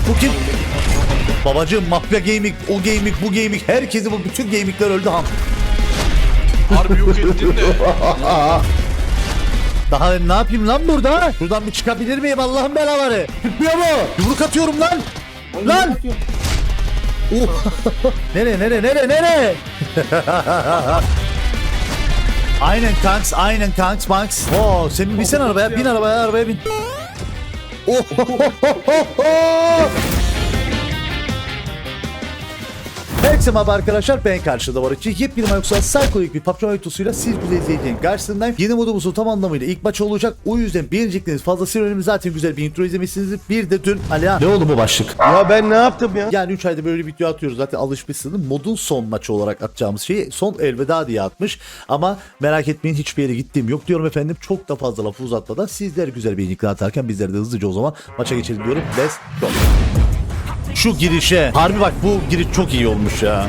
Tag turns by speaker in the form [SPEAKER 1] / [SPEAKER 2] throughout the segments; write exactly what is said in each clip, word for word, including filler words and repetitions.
[SPEAKER 1] Bu kim? Babacığım mafya gaming, o gaming, bu gaming, herkesi bu bütün gamingler öldü ham.
[SPEAKER 2] Harbi yok ettin de.
[SPEAKER 1] Daha ne yapayım lan burada? Buradan bir çıkabilir miyim Allah'ın belaları? Çıkmıyor mu? Yumruk atıyorum lan. Lan. Oh. Nereye nereye nereye nereye? Aynen kanks, aynen kanks, Max. Oo, sen bin sen arabaya, bin arabaya, arabaya bin. Oh. Herkese merhaba arkadaşlar, ben karşıda var için yepyeni yoksa psikolojik bir P U B G oyuntusuyla siz güzel izleyeceğin karşısındayım. Yeni modumuzun tam anlamıyla ilk maç olacak. O yüzden beğenecekleriniz fazlasıyla önemli. Zaten güzel bir intro izlemişsiniz. Bir de dün Alihan. Ne oldu bu başlık?
[SPEAKER 3] Ya ben ne yaptım ya?
[SPEAKER 1] Yani üç ayda böyle video atıyoruz. Zaten alışmışsınız. Modun son maçı olarak atacağımız şeyi son elveda diye atmış. Ama merak etmeyin, hiçbir yere gittiğim yok diyorum efendim. Çok da fazla lafı uzatmadan sizler güzel bir inikle atarken bizler de hızlıca o zaman maça geçelim diyorum. Let's go. Şu girişe. Harbi bak, bu giriş çok iyi olmuş ya.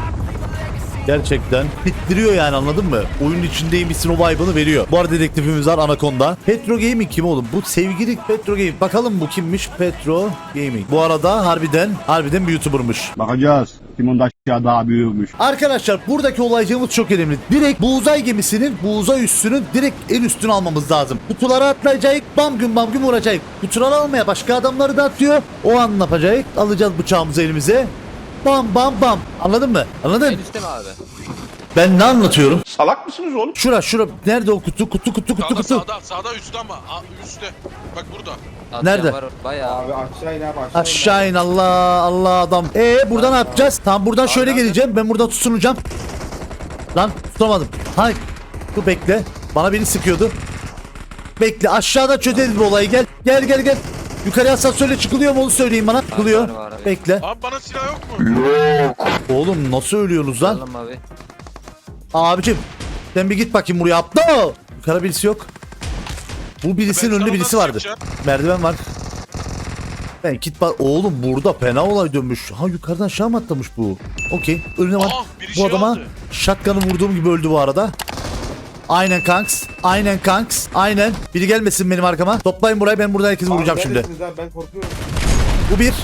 [SPEAKER 1] Gerçekten bittiriyor yani, anladın mı? Oyunun içindeymişsin, o vibe'ını veriyor. Bu arada dedektifimiz var, Anaconda. Petro Gaming kim oğlum? Bu sevgili Petro Gaming. Bakalım bu kimmiş? Petro Gaming. Bu arada harbiden harbiden bir YouTuber'mış.
[SPEAKER 3] Bakacağız. Kimin aşağı daha büyükmüş.
[SPEAKER 1] Arkadaşlar buradaki olaycığımız çok önemli. Direkt bu uzay gemisinin, bu uzay üssünün direkt en üstünü almamız lazım. Kutulara atlayacağız, bam gün bam gün vuracağız. Kutuları almaya başka adamları da atıyor. O an ne yapacağız? Alacağız bıçağımızı elimize. Bam bam bam. Anladın mı? Anladın?
[SPEAKER 4] En üstte mi abi?
[SPEAKER 1] Ben ne anlatıyorum?
[SPEAKER 3] Salak mısınız oğlum?
[SPEAKER 1] Şura şura. Nerede o kutu? Kutu kutu kutu
[SPEAKER 2] Sağda
[SPEAKER 1] kutu.
[SPEAKER 2] sağda sağda üstte ama. Aa, üstte. Bak burada.
[SPEAKER 4] Atlayan
[SPEAKER 1] Nerede?
[SPEAKER 4] Var, bayağı.
[SPEAKER 3] Abi aşağı in abi aşağı in.
[SPEAKER 1] Aşağı in, Allah Allah adam. Ee buradan ne yapacağız? Tamam, buradan şöyle
[SPEAKER 4] nerede?
[SPEAKER 1] geleceğim. Ben buradan tutunacağım. Lan tutamadım. Hay. Dur bekle. Bana biri sıkıyordu. Bekle, aşağıda çözeriz bu olayı, gel. Gel gel gel. Yukarıya asansörle çıkılıyor mu onu söyleyin bana. Çıkılıyor.
[SPEAKER 4] var, var abi.
[SPEAKER 1] Bekle.
[SPEAKER 2] Abi bana silah yok mu?
[SPEAKER 1] Oğlum nasıl ölüyorsunuz lan?
[SPEAKER 4] Alalım abi.
[SPEAKER 1] Abicim sen bir git bakayım buraya, aptal. Yukarı birisi yok. Bu birisinin
[SPEAKER 2] Ben
[SPEAKER 1] önünde
[SPEAKER 2] sana
[SPEAKER 1] birisi
[SPEAKER 2] nasıl
[SPEAKER 1] vardı.
[SPEAKER 2] yapacağım?
[SPEAKER 1] Merdiven var. Ben git bak oğlum, burada fena olay dönmüş. Ha, yukarıdan aşağı mı atlamış bu? Okey. Önüne var.
[SPEAKER 2] Ah, biri
[SPEAKER 1] Bu
[SPEAKER 2] şey
[SPEAKER 1] adama
[SPEAKER 2] aldı.
[SPEAKER 1] şatkanı vurduğum gibi öldü bu arada. Aynen kanks. Aynen kanks. Aynen. Biri gelmesin benim arkama. Toplayın burayı, ben burada herkesi vuracağım şimdi.
[SPEAKER 3] Abi ben korkuyorum.
[SPEAKER 1] Bu bir.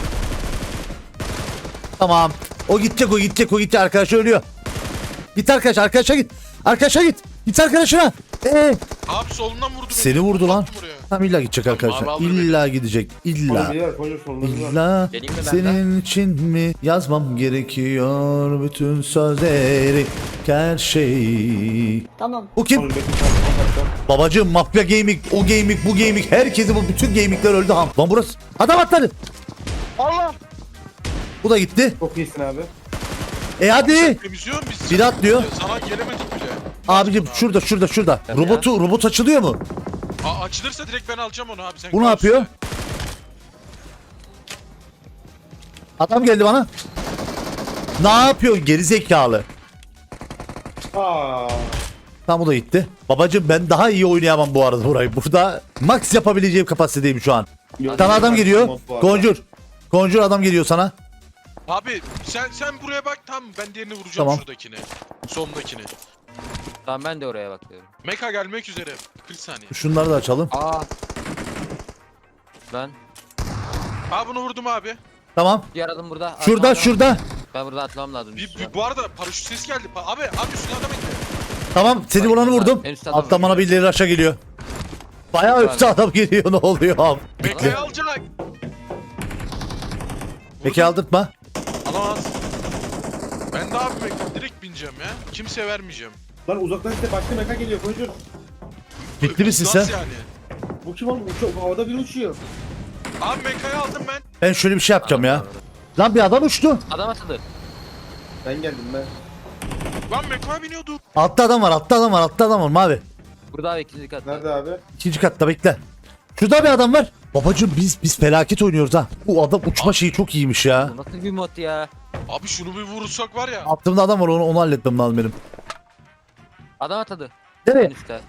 [SPEAKER 1] Tamam. O gidecek, o gidecek, o gidecek. Arkadaş ölüyor. Git arkadaş, arkadaşa git. Arkadaşa git. Git arkadaşına. Ee,
[SPEAKER 2] Abi solundan vurdu beni.
[SPEAKER 1] seni vurdu lan.
[SPEAKER 2] Attı buraya.
[SPEAKER 1] Tam illa gidecek arkadaşlar.
[SPEAKER 2] abi, aldır
[SPEAKER 1] İlla gidecek. İlla.
[SPEAKER 3] Abi koyun sonunda.
[SPEAKER 1] İlla
[SPEAKER 4] Geleyim mi ben
[SPEAKER 1] senin için mi yazmam gerekiyor bütün sözleri, her şeyi.
[SPEAKER 5] Tamam.
[SPEAKER 1] Bu kim? Babacığım mafya gaming, o gaming, bu gaming, herkesi bu bütün gamingler öldü ham. Lan burası. Adam atladı.
[SPEAKER 2] Allah.
[SPEAKER 1] Bu da gitti.
[SPEAKER 3] Çok iyisin abi.
[SPEAKER 1] E hadi.
[SPEAKER 2] Temizliyor musun biz?
[SPEAKER 1] Biri atlıyor.
[SPEAKER 2] Sana gelemedik bile.
[SPEAKER 1] Abicim şurada şurada şurada. Robotu robot açılıyor mu?
[SPEAKER 2] Aa, açılırsa direkt ben alacağım onu abi. Sen
[SPEAKER 1] Bu ne
[SPEAKER 2] kal
[SPEAKER 1] yapıyor?
[SPEAKER 2] üstte.
[SPEAKER 1] Adam geldi bana. Ne yapıyor geri zekalı?
[SPEAKER 3] Aa.
[SPEAKER 1] Tam, bu da gitti. Babacım ben daha iyi oynayamam bu arada burayı. Burada max yapabileceğim kapasitedeyim şu an. Sana adam geliyor. Conjur. Conjur adam geliyor sana.
[SPEAKER 2] Abi sen sen buraya bak, tam ben diğerini vuracağım,
[SPEAKER 1] Tamam.
[SPEAKER 2] şuradakini. Sondakini.
[SPEAKER 4] Tamam ben de oraya bakıyorum.
[SPEAKER 2] Meka gelmek üzere. kırk saniye.
[SPEAKER 1] Şunları da açalım.
[SPEAKER 4] Aa. Ben.
[SPEAKER 2] Aa, bunu vurdum abi.
[SPEAKER 1] Tamam.
[SPEAKER 4] Diğer adım burada.
[SPEAKER 1] Şurada
[SPEAKER 4] Atlamam
[SPEAKER 1] şurada.
[SPEAKER 4] lazım. Ben burada atlamam lazım.
[SPEAKER 2] Bir,
[SPEAKER 4] üstüne.
[SPEAKER 2] bir- bu arada paraşüt ses geldi. Pa- abi abi üstüne adam indi.
[SPEAKER 1] Tamam, seni vuranı vurdum.
[SPEAKER 4] En üstte adam
[SPEAKER 1] Alttan
[SPEAKER 4] var.
[SPEAKER 1] bana birileri aşağı geliyor. Bayağı üstte adam geliyor, ne oluyor abi?
[SPEAKER 2] Meka'yı alacak.
[SPEAKER 1] Peki aldırtma.
[SPEAKER 2] Alamaz. Ben de abi Meka direkt bineceğim ya. Kimseye vermeyeceğim.
[SPEAKER 3] Lan uzaktan işte başka meka geliyor koyun.
[SPEAKER 1] Bitti misin sen?
[SPEAKER 2] Nasıl yani?
[SPEAKER 3] Bu kim oğlum? Uçuyor. Havada biri uçuyor.
[SPEAKER 2] Abi Meka'yı aldım ben.
[SPEAKER 1] Ben şöyle bir şey yapacağım ya. Lan bir adam uçtu.
[SPEAKER 4] Adam atıldı.
[SPEAKER 3] Ben geldim ben.
[SPEAKER 2] Lan Meka'ya biniyorduk.
[SPEAKER 1] Altta adam var, altta adam var, altta adam var mavi.
[SPEAKER 4] Burada abi ikinci katta.
[SPEAKER 3] Nerede abi?
[SPEAKER 1] İkinci katta bekle. Şurada bir adam var. Babacım biz biz felaket oynuyoruz ha. Bu adam uçma şeyi çok iyiymiş ya.
[SPEAKER 4] Bu nasıl bir mod ya?
[SPEAKER 2] Abi şunu bir vurursak var ya.
[SPEAKER 1] Altımda adam var, onu, onu halletmem lazım benim.
[SPEAKER 4] Adam atladı.
[SPEAKER 1] Nereye?
[SPEAKER 4] En üstte.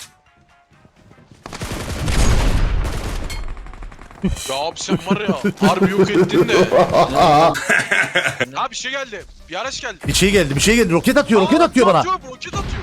[SPEAKER 2] Ya abi sen var ya harbi yok ettin de. Abi bir şey geldi. Bir araç geldi.
[SPEAKER 1] Bir şey geldi, bir şey geldi. Roket atıyor, roket
[SPEAKER 2] Aa,
[SPEAKER 1] atıyor bana.
[SPEAKER 2] Atıyor, roket atıyor.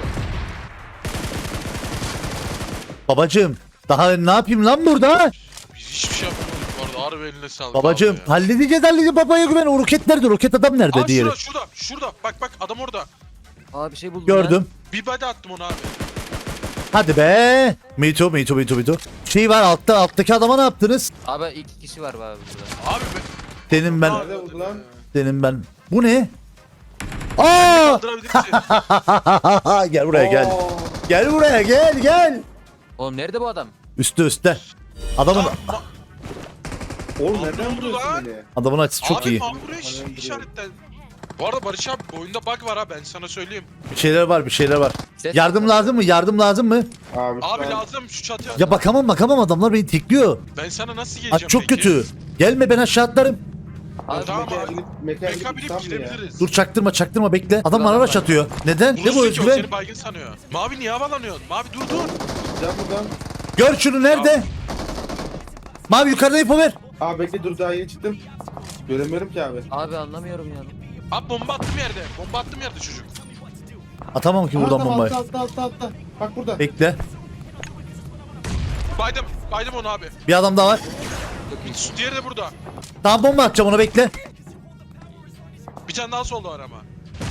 [SPEAKER 1] Babacım daha ne yapayım lan burada?
[SPEAKER 2] Biz hiçbir şey yapamadık bu Harbi eline sağlık.
[SPEAKER 1] Babacım
[SPEAKER 2] abi ya.
[SPEAKER 1] halledeceğiz halledeceğiz babaya güven. O roket nerede? Roket adam nerede
[SPEAKER 2] Aa
[SPEAKER 1] diğeri?
[SPEAKER 2] şurada şurada şurada. Bak bak adam orada.
[SPEAKER 4] Aa bir şey buldum
[SPEAKER 1] Gördüm.
[SPEAKER 2] Bir body attım ona abi.
[SPEAKER 1] Hadi be. Mito Mito Mito Mito. Şey var altta alttaki adama ne yaptınız?
[SPEAKER 4] ya. Abi iki kişi var abi burada.
[SPEAKER 2] Abi be.
[SPEAKER 1] Senin ben
[SPEAKER 3] Nerede oldu lan?
[SPEAKER 1] senin ben. Bu ne? Aa!
[SPEAKER 2] Kaldırabilir misin?
[SPEAKER 1] Gel buraya gel.
[SPEAKER 3] Oo.
[SPEAKER 1] Gel buraya gel gel.
[SPEAKER 4] Oğlum nerede bu adam?
[SPEAKER 1] Üstte üstte. Adamın
[SPEAKER 3] Oğlum
[SPEAKER 2] Abi
[SPEAKER 3] nereden
[SPEAKER 2] ne oldu
[SPEAKER 3] vuruyorsun
[SPEAKER 2] lan?
[SPEAKER 3] beni?
[SPEAKER 1] adamın açısı çok
[SPEAKER 2] abi,
[SPEAKER 1] iyi.
[SPEAKER 2] Abi buraya iş-
[SPEAKER 3] Hemen
[SPEAKER 2] işaretten. Bu arada Barış abi oyunda bug var ha ben sana söyleyeyim.
[SPEAKER 1] Bir şeyler var bir şeyler var.
[SPEAKER 4] Ses
[SPEAKER 1] Yardım
[SPEAKER 4] yok.
[SPEAKER 1] lazım mı? Yardım lazım mı?
[SPEAKER 3] Abi, şu
[SPEAKER 2] Abi
[SPEAKER 3] an-
[SPEAKER 2] lazım şu çatıya.
[SPEAKER 1] Ya bakamam bakamam adamlar beni tekliyor.
[SPEAKER 2] Ben sana nasıl
[SPEAKER 1] Aa,
[SPEAKER 2] geleceğim
[SPEAKER 1] çok
[SPEAKER 2] peki?
[SPEAKER 1] kötü. Gelme ben aşağı atlarım.
[SPEAKER 3] Abi,
[SPEAKER 2] Tamam
[SPEAKER 3] mekaya
[SPEAKER 2] abi.
[SPEAKER 3] binip- mekaya
[SPEAKER 2] Meka
[SPEAKER 3] binip
[SPEAKER 2] binip
[SPEAKER 3] tam ya.
[SPEAKER 2] gidebiliriz.
[SPEAKER 1] Dur çaktırma çaktırma bekle. Adam bana
[SPEAKER 4] Adam
[SPEAKER 1] araç
[SPEAKER 4] var.
[SPEAKER 1] atıyor. Neden? Ne bu
[SPEAKER 2] Vurursun ki o
[SPEAKER 1] özgüven?
[SPEAKER 2] seni baygın sanıyor. Mavi niye havalanıyorsun? Mavi dur dur.
[SPEAKER 3] Gideceğim buradan.
[SPEAKER 1] Gör şunu nerede? Mavi yukarıda info ver.
[SPEAKER 3] Abi bekle dur daha yeni çıktım. Göremiyorum ki abi.
[SPEAKER 4] Abi anlamıyorum ya.
[SPEAKER 2] Abi bomba attım yerde. Bomba attım yerde çocuk.
[SPEAKER 1] Atamam ki buradan
[SPEAKER 3] Altta,
[SPEAKER 1] bombayı.
[SPEAKER 3] Altta altta altta altta. Bak burada.
[SPEAKER 1] Bekle.
[SPEAKER 2] Baydım. Baydım onu abi.
[SPEAKER 1] Bir adam daha var.
[SPEAKER 2] Şu diğeri de burada.
[SPEAKER 1] Tamam bomba atacağım ona bekle.
[SPEAKER 2] Bir tane daha solda var ama.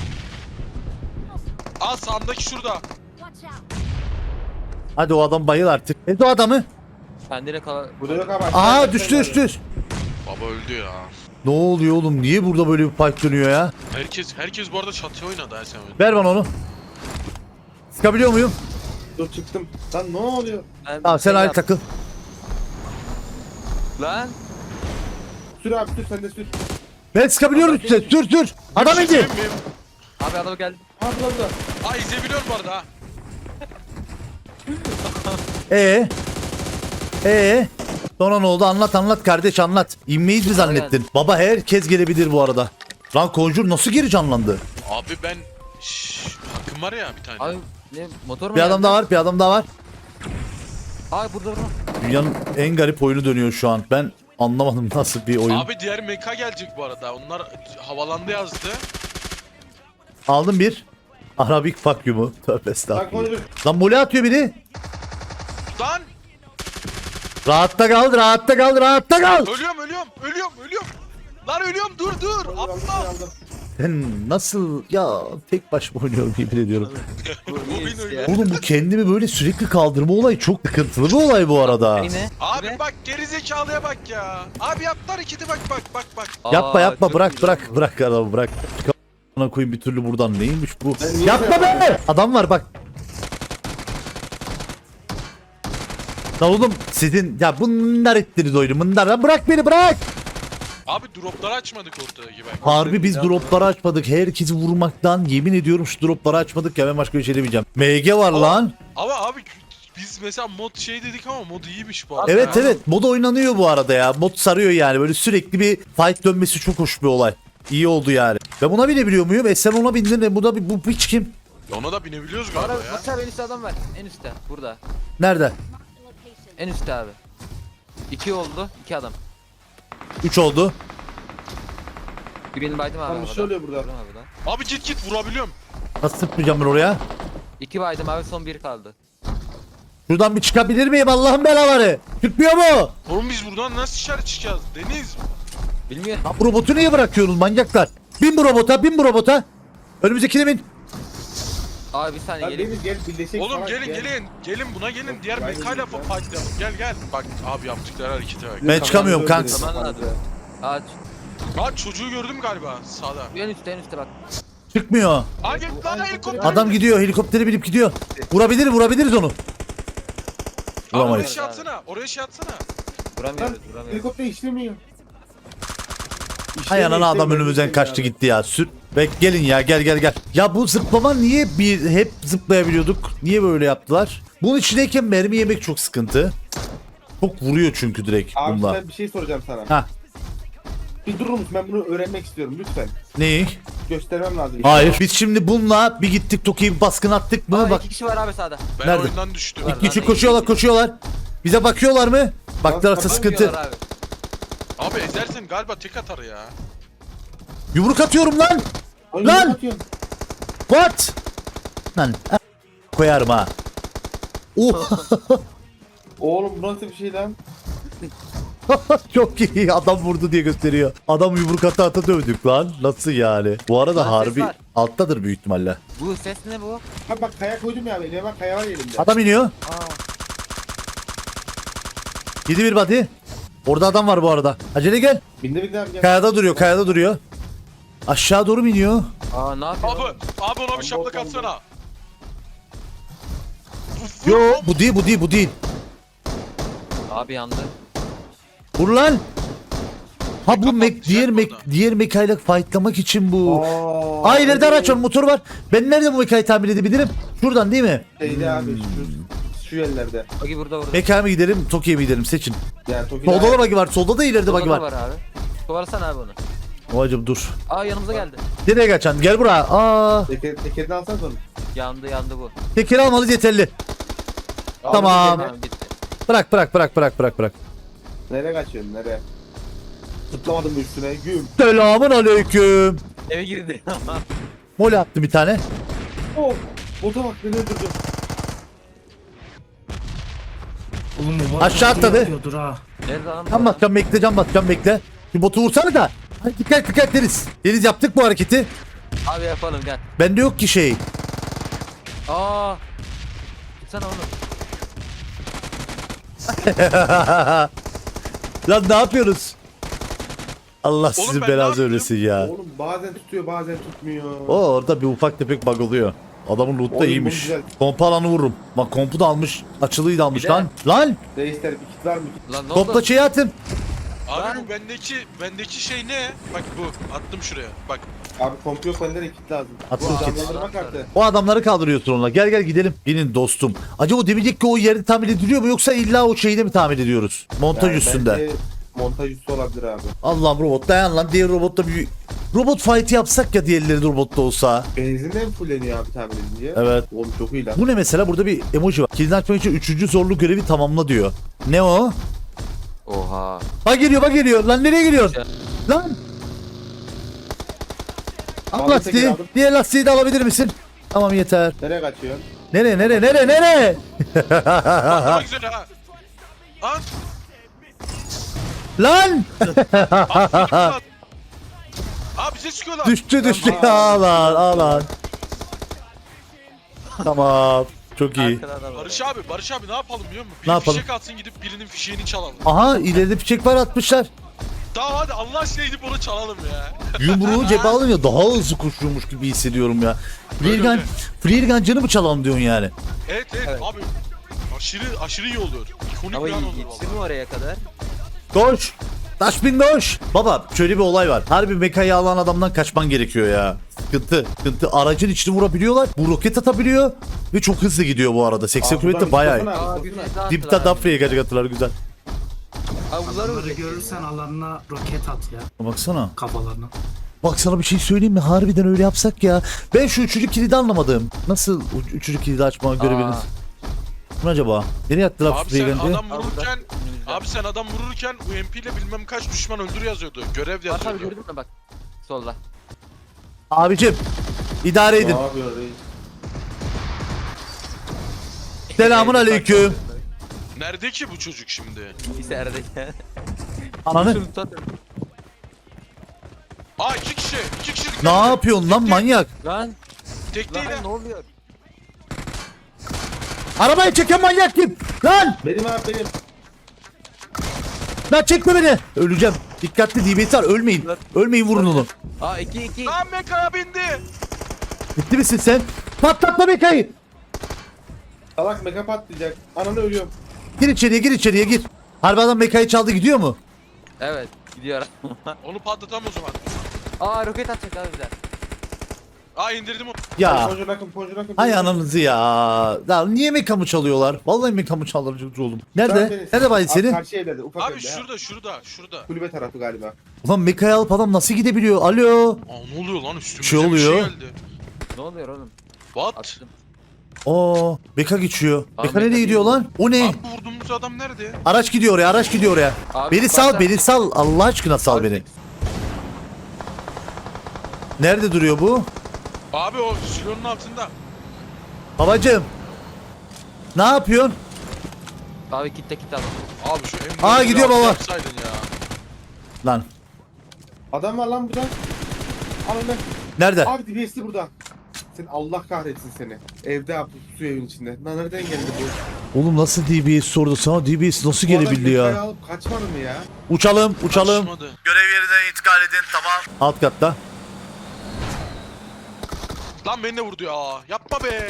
[SPEAKER 2] Aa sağımdaki şurada.
[SPEAKER 1] Hadi o adam bayıl artık. Evet o adamı.
[SPEAKER 4] Kendine kal...
[SPEAKER 3] Burada yok abi.
[SPEAKER 1] Aa düştü düştü.
[SPEAKER 2] Baba öldü ya.
[SPEAKER 1] Ne oluyor oğlum? Niye burada böyle bir fight dönüyor ya?
[SPEAKER 2] Herkes herkes bu arada çatıya oynadı ha sen oyun.
[SPEAKER 1] Ver bana onu. Sıkabiliyor muyum?
[SPEAKER 3] Dur çıktım. Lan ne oluyor?
[SPEAKER 4] Ben
[SPEAKER 1] Tamam sen
[SPEAKER 4] şey
[SPEAKER 1] ayrı
[SPEAKER 4] yap-
[SPEAKER 1] takıl.
[SPEAKER 4] Lan.
[SPEAKER 3] Sür abi sür sen de sür.
[SPEAKER 1] Ben sıkabiliyorum size. Sür sür. Adam indi.
[SPEAKER 2] Miyim?
[SPEAKER 4] Abi adam geldi.
[SPEAKER 3] Ha burada burada.
[SPEAKER 2] Aa izleyebiliyorum bu arada ha.
[SPEAKER 1] Ee? Ee? Sonra ne oldu? Anlat anlat kardeş anlat. İnmeyiz mi zannettin? Baba herkes gelebilir bu arada. Lan Conjure nasıl geri canlandı?
[SPEAKER 2] Abi ben Şşş, hakkım var ya bir tane.
[SPEAKER 4] Abi ne motor mu
[SPEAKER 1] Bir
[SPEAKER 4] geldi?
[SPEAKER 1] adam daha var, bir adam daha var.
[SPEAKER 4] Abi burada burada.
[SPEAKER 1] Dünyanın en garip oyunu dönüyor şu an. Ben anlamadım nasıl bir oyun.
[SPEAKER 2] Abi diğer meka gelecek bu arada. Onlar havalandı yazdı.
[SPEAKER 1] Aldım bir. Arabik fuck you mu? Tövbe
[SPEAKER 3] Bak
[SPEAKER 1] estağfurullah.
[SPEAKER 3] konuşur.
[SPEAKER 1] Lan mole atıyor biri.
[SPEAKER 2] Lan
[SPEAKER 1] Rahatta kal, rahatta kal, rahatta kal.
[SPEAKER 2] ölüyorum ölüyorum ölüyorum ölüyorum. Lan ölüyorum dur dur.
[SPEAKER 3] Aldım,
[SPEAKER 2] Atla.
[SPEAKER 3] aldım.
[SPEAKER 1] Ben nasıl ya tek başıma oynuyorum yemin ediyorum.
[SPEAKER 2] Bu oyun öyle.
[SPEAKER 1] Oğlum bu kendimi böyle sürekli kaldırma olayı çok sıkıntılı bir olay bu arada.
[SPEAKER 4] Yine.
[SPEAKER 2] Abi
[SPEAKER 4] Ne?
[SPEAKER 2] bak gerizekalıya bak ya. Abi yaptılar ikide bak bak bak bak.
[SPEAKER 1] Yapma
[SPEAKER 4] Aa,
[SPEAKER 1] yapma
[SPEAKER 4] çok
[SPEAKER 1] bırak
[SPEAKER 4] iyi
[SPEAKER 1] bırak
[SPEAKER 4] lan.
[SPEAKER 1] bırak adamı bırak. Ona koyayım bir türlü buradan neymiş bu?
[SPEAKER 3] Ben niye
[SPEAKER 1] Yapma
[SPEAKER 3] böyle
[SPEAKER 1] be! Adam var bak. Lan oğlum sizin ya bunlar ettiniz oyunu bunlar lan bırak beni bırak.
[SPEAKER 2] Abi dropları açmadık ortadaki bak.
[SPEAKER 1] Harbi biz dropları açmadık. Herkesi vurmaktan yemin ediyorum şu dropları açmadık ya ben başka bir şey demeyeceğim. M G var lan.
[SPEAKER 2] Ama abi biz mesela mod şey dedik ama mod iyiymiş bu arada.
[SPEAKER 1] Evet
[SPEAKER 2] ya.
[SPEAKER 1] evet mod oynanıyor bu arada ya. Mod sarıyor yani böyle sürekli bir fight dönmesi çok hoş bir olay. İyi oldu yani. Ben buna binebiliyor muyum? E sen ona bindin de bu da bir bu hiç kim?
[SPEAKER 2] Ona da binebiliyoruz galiba
[SPEAKER 4] Abi
[SPEAKER 2] ya.
[SPEAKER 4] bak abi en üstte adam var. En üstte. Burada.
[SPEAKER 1] Nerede?
[SPEAKER 4] En üstte abi. İki oldu. iki adam.
[SPEAKER 1] üç oldu.
[SPEAKER 4] Birini baydım abi.
[SPEAKER 3] Tamam, bir
[SPEAKER 4] havada.
[SPEAKER 3] şey oluyor burada.
[SPEAKER 4] Vurdum abi lan.
[SPEAKER 2] Abi git git vurabiliyorum.
[SPEAKER 1] Nasıl sıkmayacağım ben oraya?
[SPEAKER 4] İki baydım abi son bir kaldı.
[SPEAKER 1] Şuradan bir çıkabilir miyim Allah'ın belaları? Çıkmıyor mu?
[SPEAKER 2] Oğlum biz buradan nasıl dışarı çıkacağız? Deniz.
[SPEAKER 4] Bilmiyorum.
[SPEAKER 1] Ha, bu robotu niye bırakıyorsunuz manyaklar? Bin bu robota bin bu robota. Önümüzdekini bin.
[SPEAKER 4] Abi bir saniye
[SPEAKER 3] Lan
[SPEAKER 4] gelin.
[SPEAKER 3] Deniz gel birleşelim.
[SPEAKER 2] Oğlum
[SPEAKER 3] falan,
[SPEAKER 2] gelin
[SPEAKER 3] gel.
[SPEAKER 2] gelin. Gelin buna gelin. Diğer
[SPEAKER 3] Ben
[SPEAKER 2] mekayla
[SPEAKER 3] geldim ya.
[SPEAKER 2] fightlayalım. Gel gel. Bak abi yaptıkları harekete bak.
[SPEAKER 1] Ben çıkamıyorum
[SPEAKER 3] Kameranı
[SPEAKER 1] kanks.
[SPEAKER 3] öldürelim.
[SPEAKER 4] Tamam abi. Aç.
[SPEAKER 2] Aa çocuğu gördüm galiba sağda.
[SPEAKER 4] En üstte en üstte bak.
[SPEAKER 1] Çıkmıyor.
[SPEAKER 2] Aa gel lan helikopter.
[SPEAKER 1] Adam gidiyor helikopteri binip gidiyor. Vurabilir vurabiliriz onu.
[SPEAKER 2] Abi oraya
[SPEAKER 1] Vuramayız.
[SPEAKER 2] şey atsana. Oraya şey atsana.
[SPEAKER 3] Lan
[SPEAKER 4] Vuramıyoruz vuramıyoruz.
[SPEAKER 3] helikopter işlemiyor.
[SPEAKER 1] Hay
[SPEAKER 3] İşlemiyor,
[SPEAKER 1] ananı adam
[SPEAKER 3] işlemiyor,
[SPEAKER 1] önümüzden
[SPEAKER 3] işlemiyor
[SPEAKER 1] kaçtı
[SPEAKER 3] abi.
[SPEAKER 1] gitti ya. Sür. Bek gelin ya gel gel gel. Ya bu zıplama niye bir hep zıplayabiliyorduk? Niye böyle yaptılar? Bunun içindeyken mermi yemek çok sıkıntı. Çok vuruyor çünkü direkt
[SPEAKER 3] Abi
[SPEAKER 1] bunda.
[SPEAKER 3] ben bir şey soracağım sana.
[SPEAKER 1] Ha
[SPEAKER 3] Bir durur musun? Ben bunu öğrenmek istiyorum lütfen.
[SPEAKER 1] neyi?
[SPEAKER 3] Göstermem lazım.
[SPEAKER 1] Hayır. Biz şimdi bununla bir gittik Toki'yi bir baskın attık mı?
[SPEAKER 4] Aa,
[SPEAKER 1] Bak
[SPEAKER 4] iki kişi var abi sağda.
[SPEAKER 2] Ben
[SPEAKER 1] Nerede?
[SPEAKER 2] oyundan düştüm.
[SPEAKER 4] Var.
[SPEAKER 1] iki kişi koşuyorlar koşuyorlar. Bize bakıyorlar mı? Baklarsa
[SPEAKER 3] Tamam,
[SPEAKER 1] sıkıntı.
[SPEAKER 4] Vuruyorlar abi.
[SPEAKER 2] Abi ezersen galiba tek atar ya.
[SPEAKER 1] Yumruk atıyorum lan.
[SPEAKER 3] Ay,
[SPEAKER 1] Lan!
[SPEAKER 3] ne atıyorsun?
[SPEAKER 1] What? Lan a- koyarım ha. Oh.
[SPEAKER 3] Oğlum bu nasıl bir şey lan?
[SPEAKER 1] Çok iyi. Adam vurdu diye gösteriyor. Adam yumruk ata ata dövdük lan. Nasıl yani? Bu arada
[SPEAKER 4] Lan ses
[SPEAKER 1] harbi
[SPEAKER 4] var.
[SPEAKER 1] alttadır büyük ihtimalle.
[SPEAKER 4] Bu ses ne bu?
[SPEAKER 3] Ha bak kaya koydum ya eline bak kaya var elimde.
[SPEAKER 1] Adam iniyor.
[SPEAKER 4] Aa.
[SPEAKER 1] Yedi bir body. Orada adam var bu arada. Acele gel.
[SPEAKER 3] Binde binde abi gel.
[SPEAKER 1] Kayada duruyor, kayada duruyor. Aşağı doğru mu iniyor?
[SPEAKER 4] Aa ne yapıyor?
[SPEAKER 2] Abi,
[SPEAKER 4] oğlum?
[SPEAKER 2] abi ona bir şaplak atsana.
[SPEAKER 1] Yo, bu değil, bu değil, bu değil.
[SPEAKER 4] Abi yandı.
[SPEAKER 1] Vur lan. Ha bu
[SPEAKER 2] Kapat,
[SPEAKER 1] mek diğer
[SPEAKER 2] güzel
[SPEAKER 1] mek
[SPEAKER 2] burada.
[SPEAKER 1] diğer mekayla fightlamak için bu.
[SPEAKER 3] Aa,
[SPEAKER 1] Aa ileride
[SPEAKER 3] evet.
[SPEAKER 1] araç var, motor var. Ben nerede bu mekayı tamir edebilirim? Şuradan değil mi?
[SPEAKER 3] Şeyde abi şu, şu yerlerde.
[SPEAKER 4] Bagi burada burada.
[SPEAKER 1] Mekaya mı gidelim, Tokyo'ya mı gidelim? Seçin.
[SPEAKER 3] Yani Toki'de.
[SPEAKER 1] Solda da bagi var, solda da ileride
[SPEAKER 4] Burada
[SPEAKER 1] bagi
[SPEAKER 4] da
[SPEAKER 1] var.
[SPEAKER 4] var abi. Kovalasana abi onu.
[SPEAKER 1] Babacım dur.
[SPEAKER 4] Aa yanımıza geldi.
[SPEAKER 1] Nereye kaçacaksın? Gel buraya. Aa,
[SPEAKER 3] Teker, tekerini alsana onu.
[SPEAKER 4] Yandı yandı bu.
[SPEAKER 1] tekeri almalıyız yeterli. Tamam.
[SPEAKER 4] Tamam bitti.
[SPEAKER 1] Bırak bırak bırak bırak bırak bırak.
[SPEAKER 3] Nereye kaçıyorsun nereye? Tutlamadım mı üstüne güm.
[SPEAKER 1] Selamun aleyküm.
[SPEAKER 4] Eve girdi.
[SPEAKER 1] Mole attı bir tane.
[SPEAKER 3] Oh bota bak beni öldürdü.
[SPEAKER 5] Oğlum bu
[SPEAKER 1] Aşağı atladı.
[SPEAKER 5] yapıyordur ha.
[SPEAKER 4] Nerede lan? bu
[SPEAKER 1] Can
[SPEAKER 4] adam?
[SPEAKER 1] basacağım bekle, can basacağım bekle. Bir botu vursana da. Hadi dikkat dikkat Deniz. Deniz yaptık bu hareketi.
[SPEAKER 4] Abi yapalım gel.
[SPEAKER 1] Bende yok ki şey.
[SPEAKER 4] Aa. Sen onu.
[SPEAKER 1] Lan ne yapıyoruz? Allah sizin
[SPEAKER 2] ben ne
[SPEAKER 1] belanızı
[SPEAKER 2] yaptım?
[SPEAKER 1] öğretsin ya.
[SPEAKER 3] Oğlum bazen tutuyor bazen tutmuyor.
[SPEAKER 1] O orada bir ufak tepek bug oluyor. Adamın loot da
[SPEAKER 3] Oğlum,
[SPEAKER 1] iyiymiş.
[SPEAKER 3] bu güzel.
[SPEAKER 1] Kompu alanı vururum. Bak kompu da almış. Açılıyı da almış
[SPEAKER 4] Bir de-
[SPEAKER 1] lan. Lan
[SPEAKER 3] Reisler bir kit var mı?
[SPEAKER 4] Lan ne oldu?
[SPEAKER 1] topla şeyi atın.
[SPEAKER 2] Abi
[SPEAKER 4] Ben-
[SPEAKER 2] bu bendeki bendeki şey ne? Bak bu attım şuraya. Bak.
[SPEAKER 3] Abi kompu yok bende de kit lazım.
[SPEAKER 1] Attım
[SPEAKER 3] Bu
[SPEAKER 1] kit.
[SPEAKER 3] canlandırma kartı.
[SPEAKER 1] O adamları kaldırıyorsun onunla. Gel gel gidelim. Binin dostum. Acaba o demeyecek ki o yerde tamir ediliyor mu yoksa illa o şeyde mi tamir ediyoruz? Montaj
[SPEAKER 3] Yani
[SPEAKER 1] üstünde.
[SPEAKER 3] bence Montaj üstü olabilir abi.
[SPEAKER 1] Allah'ım robot dayan lan. Diğer robotta bir robot fight yapsak ya diğerleri de robotta olsa.
[SPEAKER 3] Benzinle mi fulleniyor abi tamir edince?
[SPEAKER 1] Evet.
[SPEAKER 3] Oğlum çok iyi lan.
[SPEAKER 1] Bu ne mesela? Burada bir emoji var. Kilidini açmak için üçüncü zorlu görevi tamamla diyor. Ne o?
[SPEAKER 4] Oha.
[SPEAKER 1] Bak geliyor bak geliyor. Lan nereye geliyorsun? Lan. Al
[SPEAKER 3] Aldım,
[SPEAKER 1] lastiği.
[SPEAKER 3] tekrar aldım.
[SPEAKER 1] Diğer lastiği de alabilir misin? Tamam yeter.
[SPEAKER 3] Nereye kaçıyorsun?
[SPEAKER 1] Nereye nereye nereye nereye?
[SPEAKER 2] Bak ne güzel ha. Lan.
[SPEAKER 1] Lan.
[SPEAKER 2] Abi, abi bize çıkıyorlar.
[SPEAKER 1] Düştü düştü. Al lan al lan. Tamam. Çok iyi.
[SPEAKER 4] Arkada adam var.
[SPEAKER 2] Barış abi, Barış abi ne yapalım biliyor musun?
[SPEAKER 1] Ne
[SPEAKER 2] Bir
[SPEAKER 1] yapalım?
[SPEAKER 2] fişek atsın gidip birinin fişeğini çalalım.
[SPEAKER 1] Aha ileride fişek var atmışlar.
[SPEAKER 2] Tamam hadi Allah aşkına gidip onu çalalım ya.
[SPEAKER 1] Yumruğu cebe alınca daha hızlı koşuyormuş gibi hissediyorum ya. Freelgun,
[SPEAKER 2] öyle.
[SPEAKER 1] Freelgun canı mı çalalım diyorsun yani?
[SPEAKER 2] Evet evet,
[SPEAKER 4] Evet.
[SPEAKER 2] abi. Aşırı aşırı iyi oluyor. İkonik
[SPEAKER 4] Ama
[SPEAKER 2] bir an olur
[SPEAKER 4] yetişir
[SPEAKER 2] valla.
[SPEAKER 4] mi oraya kadar?
[SPEAKER 1] Koş. Taş bin koş. Baba şöyle bir olay var. Harbi mekayı alan adamdan kaçman gerekiyor ya. Sıkıntı. Sıkıntı. Aracın içini vurabiliyorlar. Bu roket atabiliyor. Ve çok hızlı gidiyor bu arada. seksen
[SPEAKER 3] Aa,
[SPEAKER 1] kilometre
[SPEAKER 3] buradan
[SPEAKER 1] bayağı iyi.
[SPEAKER 3] tutsana abi,
[SPEAKER 4] Aa
[SPEAKER 3] tutsana.
[SPEAKER 4] bir daha
[SPEAKER 1] Dipta
[SPEAKER 4] attılar.
[SPEAKER 1] dafraya gelecek attılar güzel.
[SPEAKER 4] Abi bunları
[SPEAKER 5] Bunları
[SPEAKER 4] vuracak.
[SPEAKER 5] görürsen alanına roket at ya
[SPEAKER 1] Baksana.
[SPEAKER 5] kafalarına.
[SPEAKER 1] Bak sana bir şey söyleyeyim mi? Harbiden öyle yapsak ya. Ben şu üçüncü kilidi anlamadım. Nasıl u- üçüncü kilidi açma görebiliriz? Bu ne acaba? Nereye attılar
[SPEAKER 2] Abi sen
[SPEAKER 1] Freelgun'ı?
[SPEAKER 2] adam vururken
[SPEAKER 4] Önümüzde.
[SPEAKER 2] abi sen adam vururken U M P ile bilmem kaç düşman öldür yazıyordu. Görev
[SPEAKER 4] Bak abi
[SPEAKER 2] yazıyordu.
[SPEAKER 4] gördün mü bak. Solda.
[SPEAKER 1] Abicim. idare edin.
[SPEAKER 3] Ne yapıyor reis?
[SPEAKER 1] Selamun aleyküm.
[SPEAKER 2] Nerede ki bu çocuk şimdi?
[SPEAKER 4] İçeride.
[SPEAKER 1] Ananı.
[SPEAKER 4] Şunu tutun.
[SPEAKER 2] Aa iki kişi. iki kişi. dikkat
[SPEAKER 1] Ne
[SPEAKER 2] edin.
[SPEAKER 1] yapıyorsun lan manyak?
[SPEAKER 4] Lan.
[SPEAKER 2] Tek değil
[SPEAKER 4] Lan
[SPEAKER 2] ha.
[SPEAKER 4] ne oluyor?
[SPEAKER 1] Arabayı çeken manyak kim? Lan!
[SPEAKER 3] Benim abi benim.
[SPEAKER 1] Lan çekme beni. Öleceğim. Dikkatli D B S var. Ölmeyin. Ölmeyin vurun onu.
[SPEAKER 4] Aa iki iki.
[SPEAKER 2] Lan mekaya bindi.
[SPEAKER 1] Bitti misin sen? Patlatma mekayı.
[SPEAKER 3] Salak meka patlayacak. Ananı ölüyorum.
[SPEAKER 1] Gir içeriye gir içeriye gir. Harbi adam mekayı çaldı gidiyor mu?
[SPEAKER 4] Evet gidiyor.
[SPEAKER 2] Onu patlatam o zaman.
[SPEAKER 4] Aa roket atacak abi bize.
[SPEAKER 2] Aa indirdim onu.
[SPEAKER 1] Ya.
[SPEAKER 3] Ponjur akım ponjur akım.
[SPEAKER 1] Hay ananızı ya. Ya niye mekamı çalıyorlar? Vallahi mekamı çaldılar oğlum. Nerede? Nerede bayit senin?
[SPEAKER 3] Karşı evlerde ufak
[SPEAKER 2] Abi
[SPEAKER 3] evde ha.
[SPEAKER 2] şurada şurada şurada.
[SPEAKER 3] Kulübe tarafı galiba.
[SPEAKER 1] Ulan mekayı alıp adam nasıl gidebiliyor? Alo.
[SPEAKER 2] Aa ne oluyor lan üstümüze
[SPEAKER 1] Bir şey oluyor.
[SPEAKER 2] bir şey geldi.
[SPEAKER 4] Ne oluyor oğlum?
[SPEAKER 2] What?
[SPEAKER 4] Attım.
[SPEAKER 1] Oo, Meka geçiyor.
[SPEAKER 4] Aa,
[SPEAKER 1] Meka
[SPEAKER 4] Meka
[SPEAKER 1] nereye gidiyor
[SPEAKER 4] değil.
[SPEAKER 1] lan? O ne?
[SPEAKER 2] Abi bu vurduğumuz adam nerede?
[SPEAKER 1] Araç gidiyor oraya, araç gidiyor oraya.
[SPEAKER 4] Abi,
[SPEAKER 1] Beni sal,
[SPEAKER 4] baksana.
[SPEAKER 1] beni sal. Allah aşkına sal
[SPEAKER 4] Abi,
[SPEAKER 1] beni. Nerede duruyor bu?
[SPEAKER 2] Abi o silonun altında.
[SPEAKER 1] Babacım. Ne yapıyorsun?
[SPEAKER 4] Abi kitle kitle alın.
[SPEAKER 2] Abi şu emniyeti
[SPEAKER 1] Aa, gidiyor
[SPEAKER 2] biraz
[SPEAKER 1] baba.
[SPEAKER 2] yapsaydın ya.
[SPEAKER 1] Lan.
[SPEAKER 3] Adam var lan burada. Al onu.
[SPEAKER 1] Nerede?
[SPEAKER 3] Abi D B S'li burada. Sen Allah kahretsin seni. Evde abi su evin içinde. Lan nereden geldi bu?
[SPEAKER 1] Oğlum nasıl D B S sordu sana? D B S nasıl
[SPEAKER 3] Bu adam
[SPEAKER 1] gelebildi
[SPEAKER 3] yukarı
[SPEAKER 1] ya?
[SPEAKER 3] alıp kaçmadı mı ya?
[SPEAKER 1] Uçalım, uçalım.
[SPEAKER 2] Kaçmadı.
[SPEAKER 1] Görev yerine intikal edin, tamam. Alt katta.
[SPEAKER 2] Lan beni de vurdu ya. Yapma be.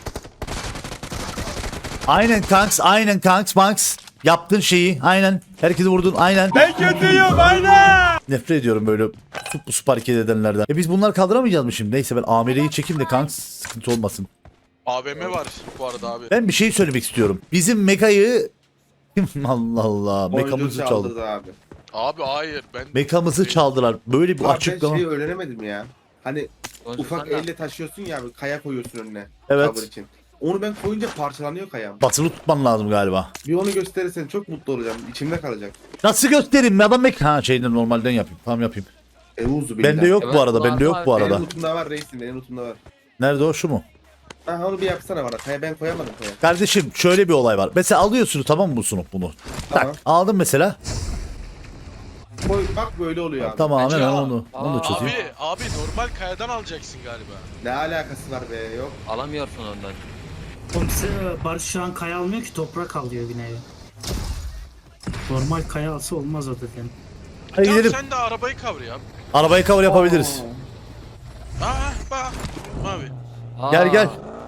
[SPEAKER 1] Aynen kanks, aynen kanks, Banks. Yaptın şeyi, aynen. Herkesi vurdun, aynen. Ben kötüyüm, aynen. Nefret ediyorum böyle sup sup hareket edenlerden. E biz bunları kaldıramayacağız mı şimdi? Neyse ben amireyi çekeyim de kanks sıkıntı olmasın.
[SPEAKER 2] A V M var bu arada abi.
[SPEAKER 1] Ben bir şey söylemek istiyorum. Bizim mekayı... Allah Allah, mekamızı
[SPEAKER 3] Oyuncu
[SPEAKER 1] çaldı.
[SPEAKER 3] çaldırdı abi.
[SPEAKER 2] Abi hayır ben...
[SPEAKER 1] Mekamızı çaldılar. Böyle bir
[SPEAKER 3] Abi ben
[SPEAKER 1] açıklama.
[SPEAKER 3] şeyi öğrenemedim ya. Hani
[SPEAKER 4] Sonuçta
[SPEAKER 3] ufak
[SPEAKER 4] sen de-
[SPEAKER 3] elle taşıyorsun ya abi, kaya koyuyorsun önüne.
[SPEAKER 1] Evet.
[SPEAKER 3] Cover için. Onu ben koyunca parçalanıyor kayam.
[SPEAKER 1] Basılı tutman lazım galiba.
[SPEAKER 3] Bir onu gösterirsen çok mutlu olacağım. İçimde kalacak.
[SPEAKER 1] Nasıl göstereyim ya? Adam mek... Ha şeyden normalden yapayım. Tamam yapayım.
[SPEAKER 3] Evuzu
[SPEAKER 1] Bende yok
[SPEAKER 4] Evet,
[SPEAKER 1] bu arada.
[SPEAKER 4] bu
[SPEAKER 1] Bende yok
[SPEAKER 4] arada-
[SPEAKER 1] bu
[SPEAKER 3] Benim
[SPEAKER 1] arada.
[SPEAKER 3] lootumda var reisim, benim lootumda var.
[SPEAKER 1] Nerede o, şu mu?
[SPEAKER 3] Ha onu bir yapsana bana. Kaya ben koyamadım kaya.
[SPEAKER 1] Kardeşim şöyle bir olay var. Mesela alıyorsunuz, tamam mı bu sunup bunu?
[SPEAKER 3] Tamam.
[SPEAKER 1] Tak aldın mesela.
[SPEAKER 3] Koy, bak böyle oluyor abi.
[SPEAKER 1] Tamam hemen
[SPEAKER 2] Ya.
[SPEAKER 1] onu. Onu da
[SPEAKER 4] Aa.
[SPEAKER 1] çözeyim.
[SPEAKER 2] Abi, abi normal kayadan alacaksın galiba.
[SPEAKER 3] Ne alakası var be, yok.
[SPEAKER 4] Alamıyorsun ondan.
[SPEAKER 5] Oğlum size Barış şu an kaya almıyor ki toprak alıyor binaya. Normal kaya alsa olmaz o zaten.
[SPEAKER 1] Hadi
[SPEAKER 2] Tamam
[SPEAKER 1] gidelim.
[SPEAKER 2] sen de arabayı cover yap.
[SPEAKER 1] Arabayı cover yapabiliriz.
[SPEAKER 2] Aa bak. Abi.
[SPEAKER 4] Aa,
[SPEAKER 1] Gel gel.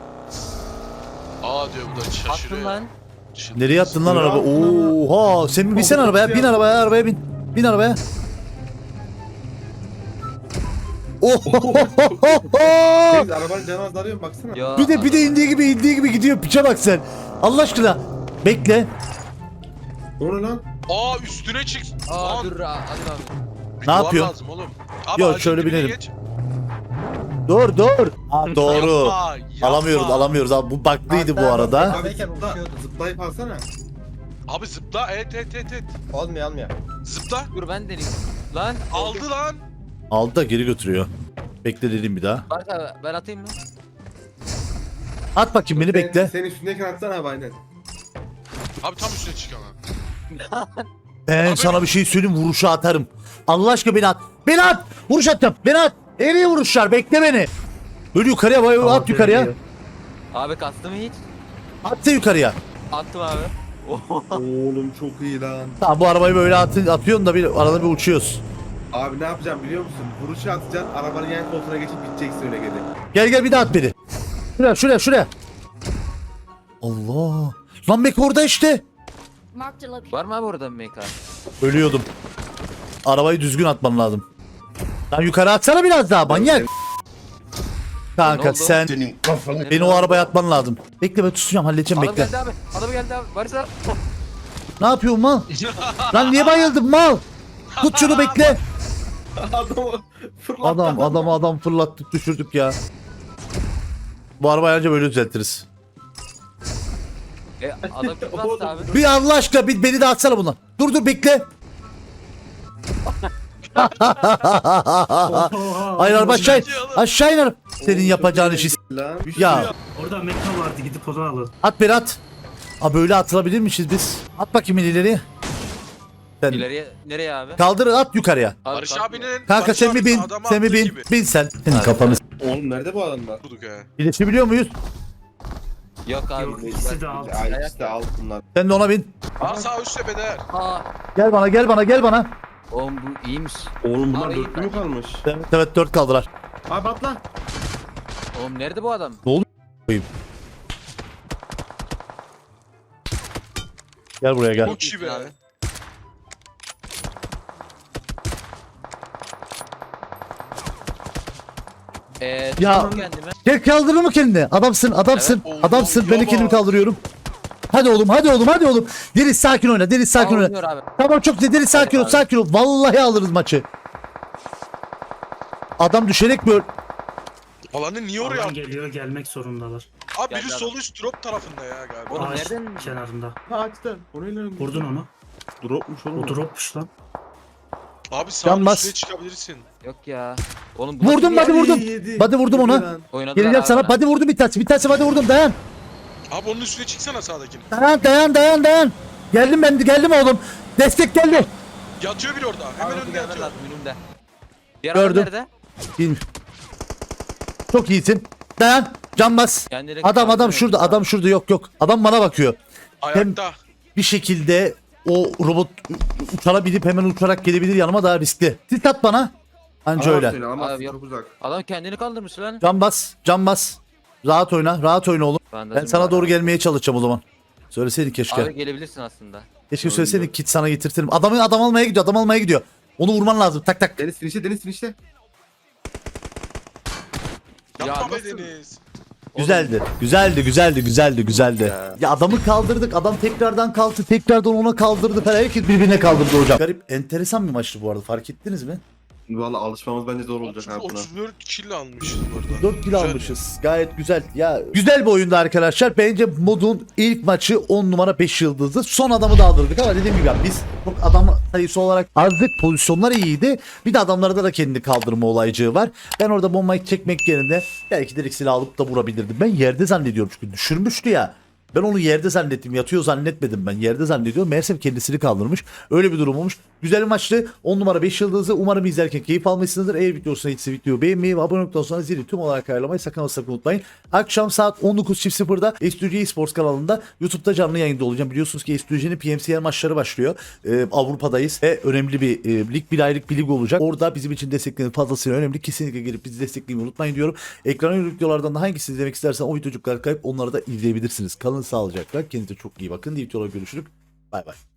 [SPEAKER 2] Aa diyor bu da şaşırıyor.
[SPEAKER 4] Attın lan.
[SPEAKER 2] Şimdi-
[SPEAKER 1] Nereye attın lan
[SPEAKER 3] Nereye
[SPEAKER 1] araba?
[SPEAKER 3] attın
[SPEAKER 1] Oha, sen bir binsen arabaya. Bin arabaya, arabaya bin. Bin arabaya. Ohohohoho!
[SPEAKER 3] Deniz arabanın canı azalıyor mu baksana.
[SPEAKER 4] Ya,
[SPEAKER 1] Bir de bir de
[SPEAKER 4] adam-
[SPEAKER 1] indiği gibi indiği gibi gidiyor. Piçe bak sen. Allah aşkına. Bekle.
[SPEAKER 3] O ne lan?
[SPEAKER 2] Aa üstüne çık.
[SPEAKER 4] Aa
[SPEAKER 2] Lan,
[SPEAKER 4] dur hadi abi.
[SPEAKER 2] bir
[SPEAKER 1] Ne
[SPEAKER 2] duvar
[SPEAKER 1] yapıyor?
[SPEAKER 2] lazım oğlum. Abi
[SPEAKER 1] Yok,
[SPEAKER 2] ağacın
[SPEAKER 1] şöyle
[SPEAKER 2] dibine
[SPEAKER 1] binelim.
[SPEAKER 2] geç.
[SPEAKER 1] Dur dur. Ha, doğru.
[SPEAKER 2] Yapma, yapma.
[SPEAKER 1] Alamıyoruz alamıyoruz abi. Bu baklıydı bu arada.
[SPEAKER 3] Abi zıpla, zıplayıp alsana.
[SPEAKER 2] Abi zıpla et et et et.
[SPEAKER 3] Olmuyor almıyor.
[SPEAKER 2] Zıpla.
[SPEAKER 4] Dur ben deneyim. Lan.
[SPEAKER 2] Aldı lan.
[SPEAKER 1] Aldı da geri götürüyor. Bekle dedim bir daha.
[SPEAKER 4] Bak abi ben atayım mı?
[SPEAKER 1] At bakayım beni, bekle.
[SPEAKER 3] Sen üstündeyken atsana abi aynen.
[SPEAKER 2] Abi tam üstüne çık ama.
[SPEAKER 1] Ben
[SPEAKER 2] Abi-
[SPEAKER 1] sana bir şey söyleyeyim, vuruşu atarım. Allah aşkına beni at. Beni at. Vuruş atacağım. Beni at. Nereye vuruşlar? Bekle beni. Böyle yukarıya bay at
[SPEAKER 5] Tamam,
[SPEAKER 1] yukarıya.
[SPEAKER 5] geliyor.
[SPEAKER 4] Abi kastı mı hiç?
[SPEAKER 1] At da yukarıya.
[SPEAKER 4] Attım abi.
[SPEAKER 3] Oğlum çok iyi lan.
[SPEAKER 1] Tamam, bu arabayı böyle atın, atıyorsun da bir arada bir uçuyoruz.
[SPEAKER 3] Abi ne yapacağım biliyor musun? Vuruşu atacaksın, arabanın yan koltuğuna geçip biteceksin öyle geri.
[SPEAKER 1] Gel gel bir daha at beni. Şuraya şuraya şuraya. Allah. Lan bek orada işte.
[SPEAKER 6] Marked a location.
[SPEAKER 4] Var mı abi orada bir meka?
[SPEAKER 1] Ölüyordum. Arabayı düzgün atman lazım. Lan yukarı atsana biraz daha manyak.
[SPEAKER 4] Ne
[SPEAKER 1] Kanka
[SPEAKER 4] oldu?
[SPEAKER 1] sen beni o arabaya atman lazım. Bekle ben tutacağım, halledeceğim,
[SPEAKER 4] Adam
[SPEAKER 1] bekle.
[SPEAKER 4] geldi abi. Adam geldi abi. Barış abi.
[SPEAKER 1] Ne yapıyorsun mal? Lan niye bayıldın mal? Tut şunu, bekle.
[SPEAKER 3] Adamı fırlattı.
[SPEAKER 1] Adam adamı adam fırlattık düşürdük ya. Bu arabayı anca böyle düzeltiriz.
[SPEAKER 4] E, adam kim bastı abi?
[SPEAKER 1] Bir Allah aşkına bir beni de atsana bundan. Dur dur bekle. Hayır araba aşağı in. Aşağı in. Senin yapacağın işi. s-
[SPEAKER 3] Lan.
[SPEAKER 1] Ya
[SPEAKER 5] Orada meka vardı gidip onu alın.
[SPEAKER 1] at beni at. Aa böyle atılabilirmişiz biz. At bakayım ileri. Sen
[SPEAKER 4] İleriye nereye abi?
[SPEAKER 1] kaldır, at yukarıya.
[SPEAKER 4] Abi,
[SPEAKER 2] Barış
[SPEAKER 4] kalk-
[SPEAKER 2] abinin...
[SPEAKER 1] Kanka
[SPEAKER 2] Barış
[SPEAKER 1] sen mi
[SPEAKER 2] abinin
[SPEAKER 1] bin?
[SPEAKER 2] adamı
[SPEAKER 1] Sen mi
[SPEAKER 2] attığı
[SPEAKER 1] bin?
[SPEAKER 2] gibi.
[SPEAKER 1] Bin sen. Senin kafanı s-
[SPEAKER 3] Oğlum nerede bu adamlar?
[SPEAKER 2] Vurduk he.
[SPEAKER 1] İyileşebiliyor muyuz?
[SPEAKER 4] Yok abi.
[SPEAKER 5] Yok ikisi de alt.
[SPEAKER 3] Ay ikisi de alt bunlar.
[SPEAKER 1] Sen de ona bin.
[SPEAKER 2] Aa sağ üst tepede.
[SPEAKER 4] Aa.
[SPEAKER 1] Gel bana gel bana gel bana.
[SPEAKER 4] Oğlum bu iyiymiş.
[SPEAKER 3] Oğlum
[SPEAKER 4] bunlar dörtlü mü
[SPEAKER 3] kalmış?
[SPEAKER 1] Evet evet dört kaldılar.
[SPEAKER 3] Abi atla.
[SPEAKER 4] Oğlum nerede bu adam?
[SPEAKER 1] Gel buraya gel.
[SPEAKER 2] Çok iyi be.
[SPEAKER 4] Abi. Eee
[SPEAKER 1] Ya-
[SPEAKER 4] tuttum kendimi.
[SPEAKER 1] Gel kaldırır mı kendini? Adamsın adamsın
[SPEAKER 2] Evet.
[SPEAKER 1] adamsın.
[SPEAKER 2] Oo,
[SPEAKER 1] Ben de
[SPEAKER 2] yaba.
[SPEAKER 1] kendimi kaldırıyorum. Hadi oğlum hadi oğlum hadi oğlum. Deniz sakin oyna, Deniz sakin oyna.
[SPEAKER 4] Almıyor abi.
[SPEAKER 1] Tamam çok güzel, Deniz sakin ol
[SPEAKER 4] abi.
[SPEAKER 1] sakin ol. Vallahi alırız maçı. Adam düşerek böyle.
[SPEAKER 2] Alanı niye oraya
[SPEAKER 5] Oradan
[SPEAKER 2] attı?
[SPEAKER 5] geliyor gelmek zorundalar.
[SPEAKER 2] Abi biri
[SPEAKER 4] Geldi
[SPEAKER 2] sol üst drop tarafında ya galiba.
[SPEAKER 4] Oğlum
[SPEAKER 5] Ağaç
[SPEAKER 4] nereden?
[SPEAKER 5] kenarında.
[SPEAKER 3] Ha açtı. Orayla
[SPEAKER 5] Vurdun onu.
[SPEAKER 3] Dropmuş oğlum.
[SPEAKER 5] O dropmuş lan.
[SPEAKER 2] Abi sağ
[SPEAKER 1] Yanmaz.
[SPEAKER 2] üstüne çıkabilirsin.
[SPEAKER 4] Yok ya. Oğlum bu
[SPEAKER 1] Vurdum
[SPEAKER 4] nasıl
[SPEAKER 1] hadi
[SPEAKER 4] bir yer?
[SPEAKER 1] vurdum.
[SPEAKER 3] Yedi.
[SPEAKER 1] Hadi vurdum ona.
[SPEAKER 3] Yedi lan.
[SPEAKER 4] Oynadılar
[SPEAKER 1] Geleceğim
[SPEAKER 4] abi
[SPEAKER 1] sana.
[SPEAKER 4] bana.
[SPEAKER 1] Hadi vurdum bir tanesi. Bir tanesi hadi vurdum, dayan.
[SPEAKER 2] Abi onun üstüne çıksana sağdakini.
[SPEAKER 1] Dayan dayan dayan dayan. Geldim ben de geldim oğlum. Destek geldi.
[SPEAKER 2] Yatıyor biri orada. Hemen
[SPEAKER 4] Abi,
[SPEAKER 2] önünde
[SPEAKER 4] gelmen
[SPEAKER 2] yatıyor.
[SPEAKER 4] lazım, önümde. Diğer
[SPEAKER 1] Gördüm.
[SPEAKER 4] adam nerede?
[SPEAKER 1] Bilmiyorum. Çok iyisin. Dayan. Can bas.
[SPEAKER 4] Kendine
[SPEAKER 1] Adam adam
[SPEAKER 4] kaldırmıyor
[SPEAKER 1] şurada.
[SPEAKER 4] musun
[SPEAKER 1] Adam
[SPEAKER 4] abi?
[SPEAKER 1] şurada. Yok yok. Adam bana bakıyor.
[SPEAKER 2] Ayakta.
[SPEAKER 1] Bir şekilde o robot uçara binip hemen uçarak gelebilir yanıma, daha riskli. Sis at bana. Anca öyle.
[SPEAKER 3] Seni, ama
[SPEAKER 4] Abi,
[SPEAKER 3] çok uzak.
[SPEAKER 4] Adam kendini kaldırmış lan.
[SPEAKER 1] Can bas. Can bas. Rahat oyna. Rahat oyna oğlum.
[SPEAKER 4] Bandajım
[SPEAKER 1] Ben sana
[SPEAKER 4] var
[SPEAKER 1] doğru
[SPEAKER 4] abi.
[SPEAKER 1] gelmeye çalışacağım o zaman. Söyleseydin keşke.
[SPEAKER 4] Abi gelebilirsin aslında.
[SPEAKER 1] Keşke söyleseydin, kit sana getirtirim. Adamı adam almaya gidiyor. Adam almaya gidiyor. Onu vurman lazım. Tak tak.
[SPEAKER 3] Deniz finişte, Deniz finişte.
[SPEAKER 2] Yapma be
[SPEAKER 4] nasıl-
[SPEAKER 2] Deniz.
[SPEAKER 1] Güzeldi. Güzeldi, güzeldi, güzeldi, güzeldi.
[SPEAKER 4] Ya.
[SPEAKER 1] Ya adamı kaldırdık. Adam tekrardan kalktı. Tekrardan ona kaldırdı falan. Herkes birbirine kaldırdı hocam. Garip, enteresan bir maçtı bu arada. Fark ettiniz mi?
[SPEAKER 3] Valla alışmamız bence zor olacak abi buna.
[SPEAKER 2] otuz dört kill almışız burada.
[SPEAKER 1] dört kill
[SPEAKER 2] Güzel.
[SPEAKER 1] almışız. Gayet güzel. Ya güzel bir oyundu arkadaşlar. Bence modun ilk maçı on numara beş yıldızdı. Son adamı da aldırdık ama dediğim gibi ya biz çok adam sayısı olarak azdık. Pozisyonlar iyiydi. Bir de adamlarda da kendi kaldırma olaycığı var. Ben orada bombayı çekmek yerine belki direkt silah alıp da vurabilirdim. Ben yerde zannediyorum çünkü düşürmüştü ya. Ben onu yerde zannettim. Yatıyor zannetmedim ben. Yerde zannediyorum. Meğersem kendisini kaldırmış. Öyle bir durum olmuş. Güzel bir maçtı. on numara beş yıldızı. Umarım izlerken keyif almışsınızdır. Eğer video hoşuna gitse videoyu beğenmeyi ve abone olduktan sonra zili tüm olarak ayarlamayı sakın ama sakın unutmayın. Akşam saat on dokuz sıfırda S D G Esports kanalında YouTube'da canlı yayında olacağım. Biliyorsunuz ki S D G'nin P M C L maçları başlıyor. Ee, Avrupa'dayız ve önemli bir e, lig, bir aylık bir lig olacak. Orada bizim için destekleriniz fazlasıyla önemli. Kesinlikle gelip bizi desteklemeyi unutmayın diyorum. Ekrana yönelik videolardan da hangisini izlemek istersen o videocukları kayıp onları da izleyebilirsiniz. Kalın sağlıcakla. Kendinize çok iyi bakın. Diğer videolarda görüşürüz. Bay bay.